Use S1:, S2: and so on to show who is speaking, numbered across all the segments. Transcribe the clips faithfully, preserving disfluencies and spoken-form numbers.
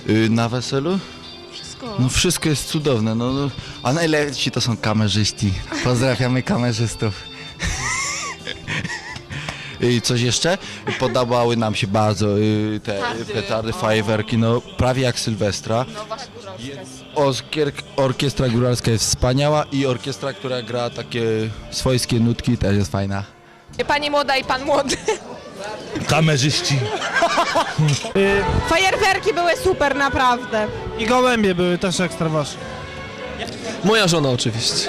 S1: Yy, na weselu?
S2: Wszystko.
S1: No wszystko jest cudowne, no, no. A najlepsi to są kamerzyści. Pozdrawiamy kamerzystów. I coś jeszcze? Podobały nam się bardzo y, te
S2: Petardy.
S1: petardy, fajerwerki, no prawie jak Sylwestra.
S2: No wasza góralska.
S1: Orkier orkiestra góralska jest wspaniała i orkiestra, która gra takie swojskie nutki, też jest fajna.
S2: Pani młoda i pan młody.
S3: Kamerzyści.
S4: Fajerwerki były super, naprawdę.
S5: I gołębie były też ekstra ważne.
S6: Moja żona oczywiście.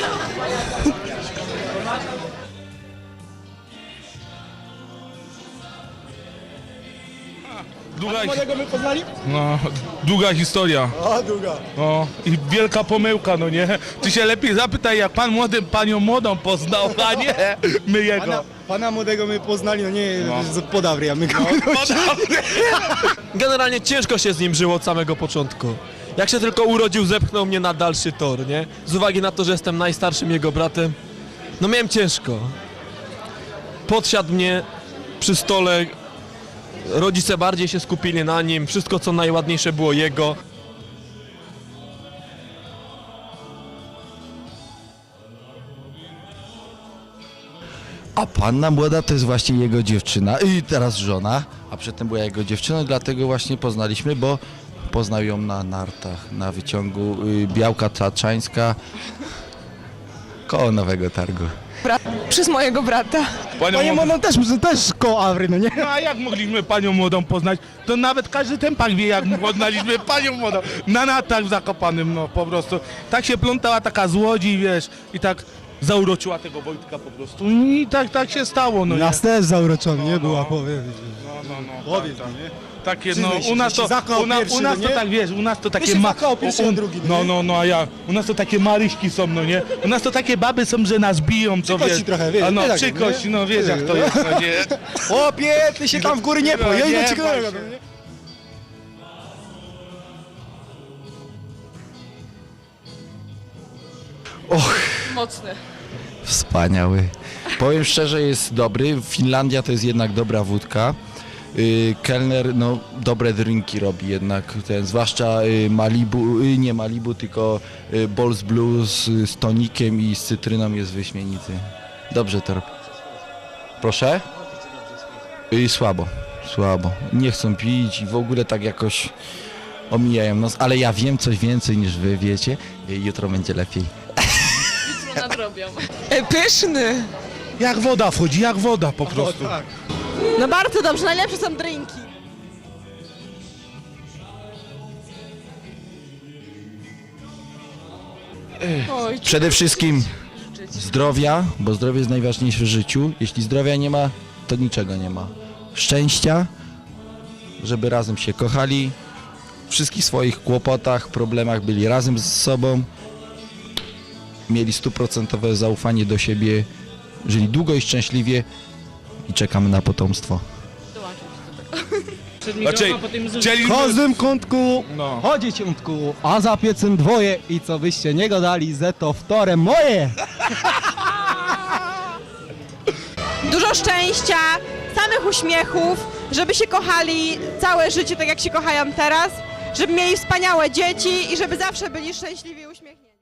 S3: Długa, no, długa historia.
S5: A, długa.
S3: No, i wielka pomyłka, no nie? Ty się lepiej zapytaj, jak pan młody panią młodą poznał, a nie my jego.
S5: Pana, pana młodego my poznali, no nie,
S3: No.
S5: no. podawry, a my go...
S6: Generalnie ciężko się z nim żyło od samego początku. Jak się tylko urodził, zepchnął mnie na dalszy tor, nie? Z uwagi na to, że jestem najstarszym jego bratem, no miałem ciężko. Podsiadł mnie przy stole, rodzice bardziej się skupili na nim, wszystko co najładniejsze było jego.
S1: A panna młoda to jest właśnie jego dziewczyna i teraz żona, a przedtem była jego dziewczyna, dlatego właśnie poznaliśmy, bo poznał ją na nartach, na wyciągu y, Białka Taczańska koło Nowego Targu.
S2: Brat, przez mojego brata.
S3: Panią
S5: Panie
S3: młodą-
S5: młodą też, też koło Awry, no nie?
S3: No a jak mogliśmy panią młodą poznać? To nawet każdy tempak wie, jak poznaliśmy panią młodą. Na natach w Zakopanym, no po prostu. Tak się plątała taka złodzi, wiesz, i tak zauroczyła tego Wojtka po prostu. I tak, tak się stało, no nie?
S5: Nas też zauroczony, nie
S3: no.
S5: była, powiem.
S3: No, no, no.
S5: Powiedz
S3: tak,
S5: mi,
S3: tak.
S5: nie?
S3: Takie, no,
S5: Przyznaj się,
S3: u nas
S5: że
S3: to,
S5: się zakochał
S3: u, na,
S5: pierwszy,
S3: u nas
S5: no
S3: to
S5: nie?
S3: tak, wiesz, u nas to takie
S5: się zakochał pierwszy,
S3: u-
S5: a drugi, no
S3: No,
S5: nie?
S3: no, no, a ja, u nas to takie maryśki są, no nie? U nas to takie baby są, że nas biją, co
S5: Przykości
S3: wiesz.
S5: trochę, wiesz,
S3: A no,
S5: nie tak,
S3: przykość,
S5: nie?
S3: no wiesz jak to jest, no nie?
S5: Chłopie, ty się tam w góry nie
S3: No,
S5: poj, ja
S3: nie
S5: idę ci
S3: bój
S5: go...
S3: się.
S1: Och,
S2: Mocny.
S1: wspaniały. Powiem szczerze, jest dobry. Finlandia to jest jednak dobra wódka. Y, kelner, no, dobre drinki robi jednak, ten, zwłaszcza y, Malibu, y, nie Malibu, tylko y, Balls Blues y, z tonikiem i z cytryną jest wyśmienity. Dobrze to robi. Proszę? Y, słabo, słabo. Nie chcą pić i w ogóle tak jakoś omijają nos, ale ja wiem coś więcej niż wy wiecie. Y, jutro będzie lepiej.
S2: Co nadrobią.
S4: E, pyszny.
S3: Jak woda wchodzi, jak woda po prostu.
S5: tak.
S4: No bardzo dobrze, najlepsze są drinki.
S2: Oj,
S1: Przede wszystkim zdrowia, bo zdrowie jest najważniejsze w życiu. Jeśli zdrowia nie ma, to niczego nie ma. Szczęścia, żeby razem się kochali, w wszystkich swoich kłopotach, problemach byli razem z sobą, mieli stuprocentowe zaufanie do siebie, żyli długo i szczęśliwie i czekamy na potomstwo.
S3: Znaczy, chcieliśmy...
S5: W każdym kątku,
S3: No.
S5: chodzi ciątku, a za piecem dwoje i co byście nie gadali, ze to wtore moje!
S4: Dużo szczęścia, samych uśmiechów, żeby się kochali całe życie tak jak się kochają teraz, żeby mieli wspaniałe dzieci i żeby zawsze byli szczęśliwi i uśmiechnięci.